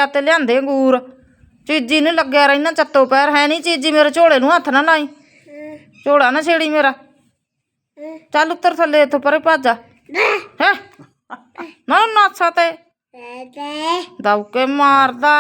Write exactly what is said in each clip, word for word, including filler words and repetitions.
ਤੇ ਲਿਆਂਦੇ ਅੰਗੂਰ। ਚੀਜੀ ਨੂੰ ਲੱਗਿਆ ਰਹਿਣਾ ਚੱਤੋ ਪੈਰ। ਹੈ ਨਹੀਂ ਚੀਜੀ ਮੇਰੇ ਝੋਲੇ ਨੂੰ ਹੱਥ ਨਾ ਲਾਈ। ਝੋਲਾ ਨਾ ਛੇੜੀ ਮੇਰਾ। ਚੱਲ ਉੱਤਰ ਥੱਲੇ ਇੱਥੋਂ ਪਰੇ ਭੱਜ ਜਾ। ਹੈ ਨਾ ਨਾਸਾ ਤੇ ਦਬਕੇ ਮਾਰਦਾ।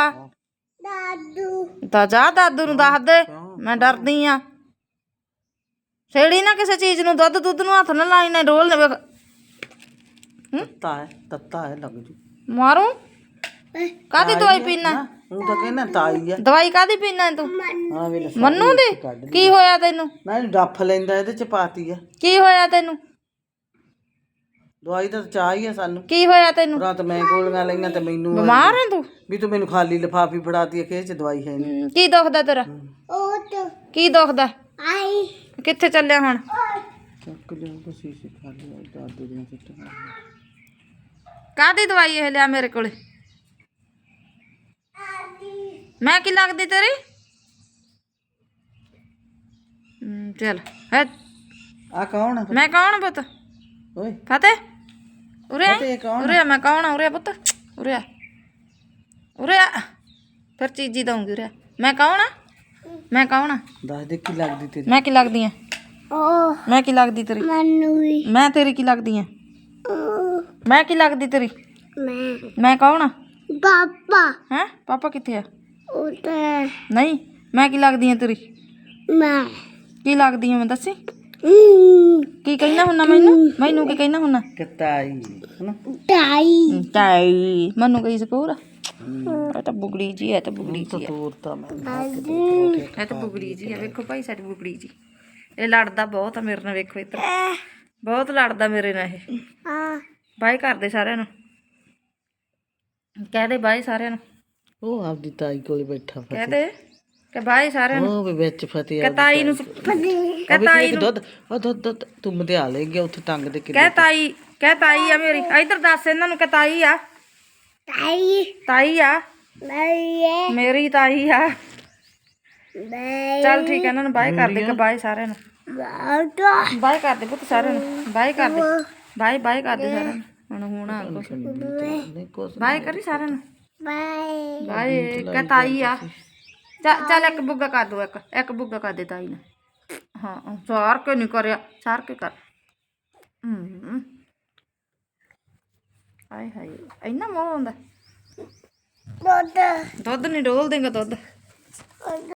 ਤਾਂ ਜਾ ਦਾਦੂ ਨੂੰ ਦੱਸ ਦੇ ਮੈਂ ਡਰਦੀ ਆ। ਛੇੜੀ ਨਾ ਕਿਸੇ ਚੀਜ਼ ਨੂੰ। ਦੁੱਧ ਦੁੱਧ ਨੂੰ ਹੱਥ ਨਾ ਲਾਈ ਨਾ ਡੋਲ ਨੇ। ਵੇਖ ਤੱਤਾ ਹੈ ਤੱਤਾ ਹੈ ਲੱਗ ਜੂ ਮਾਰੂ। ਕਾਹਦੀ ਦਵਾਈ ਪੀਣਾ? ਉਹ ਤਾਂ ਕਹਿੰਦਾ ਤਾਈ ਆ। ਦਵਾਈ ਕਾਹਦੀ ਪੀਣਾ ਤੂੰ? ਆ ਵੇਲੇ ਮੰਨੂ ਦੀ? ਕੀ ਹੋਇਆ ਤੈਨੂੰ? ਮੈਂ ਡੱਫ ਲੈਂਦਾ ਇਹਦੇ ਚ ਪਾਤੀ ਆ। ਕੀ ਹੋਇਆ ਤੈਨੂੰ? ਦਵਾਈ ਤਾਂ ਚਾਹ ਹੀ ਆ ਸਾਨੂੰ। ਕੀ ਹੋਇਆ ਤੈਨੂੰ? ਰਾਤ ਮੈਂ ਗੋਲੀਆਂ ਲਈਆਂ ਤੇ ਮੈਨੂੰ ਬਿਮਾਰ ਹੈ ਤੂੰ? ਵੀ ਤੂੰ ਮੈਨੂੰ ਖਾਲੀ ਲਿਫਾਫੀ ਫੜਾਤੀ ਆ ਕਿ ਇਹ ਚ ਦਵਾਈ ਹੈ ਨਹੀਂ। ਕੀ ਦੁਖਦਾ ਤੇਰਾ? ਕੀ ਦੁਖਦਾ? ਕਿੱਥੇ ਚੱਲਿਆ ਹੁਣ? ਚੱਕ ਲਿਆ ਸ਼ੀਸ਼ੇ ਖਾਲੀ ਦਾਦੂ ਦੀਆਂ ਸਿੱਟਾਂ। ਕਾਹਦੀ ਦਵਾਈ ਇਹ ਲਿਆ ਮੇਰੇ ਕੋਲੇ? ਮੈਂ ਕੀ ਲੱਗਦੀ ਤੇਰੀ? ਚੱਲ ਹੈ। ਆ ਕੌਣ ਆ? ਮੈਂ ਕੌਣ ਪੁੱਤ? ਓਏ ਫਤਿਹ ਉਰੇ ਆ। ਫਤਿਹ ਕੌਣ? ਉਰੇ ਆ। ਮੈਂ ਕੌਣ ਆ? ਉਰੇ ਆ ਪੁੱਤ। ਉਰੇ ਆ ਉਰੇ ਆ। ਫਿਰ ਚੀਜੀ ਦਊਂਗੀ। ਉਰੇ ਆ। ਮੈਂ ਕੌਣ ਆ? ਮੈਂ ਕੌਣ ਆ? ਦੱਸ ਦੇ ਕੀ ਲੱਗਦੀ ਤੇਰੀ? ਮੈਂ ਕੀ ਲੱਗਦੀ ਆ? ਮੈਂ ਕੀ ਲੱਗਦੀ ਤੇਰੀ? ਮੈਂ ਤੇਰੀ ਕੀ ਲੱਗਦੀ ਆ? ਮੈਂ ਕੀ ਲੱਗਦੀ ਤੇਰੀ? ਮੈਂ ਕੌਣ ਆ? ਪਾਪਾ। ਹੈਂ ਪਾਪਾ ਕਿੱਥੇ ਆ? ਉਧਰ ਨਹੀਂ ਮੈਂ ਕੀ ਲੱਗਦੀ ਆ ਤੇਰੀ? ਮੈਂ ਕੀ ਲੱਗਦੀ ਆ? ਮੈਂ ਦੱਸੀ ਕੀ ਕਹਿਣਾ ਹੁੰਨਾ ਮੈਨੂੰ? ਮੈਨੂੰ ਕੀ ਕਹਿਣਾ ਹੁੰਨਾ? ਕਤਾਈ ਹਨਾ ਤਾਈ ਤਾਈ। ਮੈਨੂੰ ਕਹੀ ਸਕੂਰ ਇਹ ਤਾਂ ਬੁਗੜੀ ਜੀ ਹੈ। ਤਾਂ ਬੁਗੜੀ ਜੀ ਹੈ। ਤੋਰਤਾ ਮੈਂ ਇਹ ਤਾਂ ਬੁਗੜੀ ਜੀ ਹੈ। ਵੇਖੋ ਭਾਈ ਸਾਡੀ ਬੁਗੜੀ ਜੀ। ਇਹ ਲੜਦਾ ਬਹੁਤ ਆ ਮੇਰੇ ਨਾਲ। ਵੇਖੋ ਇੱਧਰ ਬਹੁਤ ਲੜਦਾ ਮੇਰੇ ਨਾਲ ਇਹ। ਬਾਏ ਕਰਦੇ ਸਾਰਿਆਂ ਨੂੰ। ਕਹਿ ਦੇ ਬਾਏ ਸਾਰਿਆਂ ਨੂੰ। ਉਹ ਆਪਦੀ ਤਾਈ ਕੋਲੇ ਬੈਠਾ ਕਹਿ ਦੇ ਕਿ ਬਾਏ ਸਾਰਿਆਂ ਨੂੰ। ਉਹ ਵੀ ਵਿੱਚ ਫਤਿਹ ਕਤਾਈ ਨੂੰ ਕਤਾਈ ਨੂੰ ਦੁੱਧ ਉਹ ਦੁੱਧ ਦੁੱਧ ਤੂੰ ਮਧਿਆ ਲੈ ਗਿਆ ਉੱਥੇ ਟੰਗ ਦੇ ਕਹਿ ਤਾਈ। ਕਹਿ ਤਾਈ ਆ ਮੇਰੀ। ਇੱਧਰ ਦੱਸ ਇਹਨਾਂ ਨੂੰ ਕਿ ਤਾਈ ਆ। ਤਾਈ ਤਾਈ ਆ ਮੈਂ ਮੇਰੀ ਤਾਈ ਆ। ਮੈਂ ਚੱਲ ਠੀਕ ਹੈ। ਇਹਨਾਂ ਨੂੰ ਬਾਏ ਕਰ ਦੇ। ਕਿ ਬਾਏ ਸਾਰਿਆਂ ਨੂੰ। ਬਾਟਾ ਬਾਏ ਕਰ ਦੇ ਪੁੱਤ ਸਾਰਿਆਂ ਨੂੰ। ਬਾਏ ਕਰ ਦੇ। ਬਾਏ ਬਾਏ ਕਰ ਦੇ ਸਾਰਿਆਂ ਨੂੰ। ਹੁਣ ਹੁਣ ਆ ਕੁਛ ਨਹੀਂ ਕੁਛ ਬਾਏ ਕਰੀ ਸਾਰਿਆਂ ਨੂੰ। ਬਾਈ ਬਾਏ ਕਿ ਤਾਈ ਆ। ਚੱਲ ਚੱਲ ਇੱਕ ਬੁੱਗਾ ਕਰ ਦੋ। ਇੱਕ ਇੱਕ ਬੁੱਗਾ ਕਰ ਦੇ ਤਾਈ ਨੇ। ਹਾਂ ਸਾਰ ਕੇ ਨਹੀਂ ਕਰਿਆ। ਸਾਰ ਕੇ ਕਰ। ਹੂੰ ਹਾਏ ਹਾਏ ਇੰਨਾ ਮੋਹ ਆਉਂਦਾ। ਦੁੱਧ ਦੁੱਧ ਨਹੀਂ ਡੋਲ ਦੇਂਗਾ ਦੁੱਧ।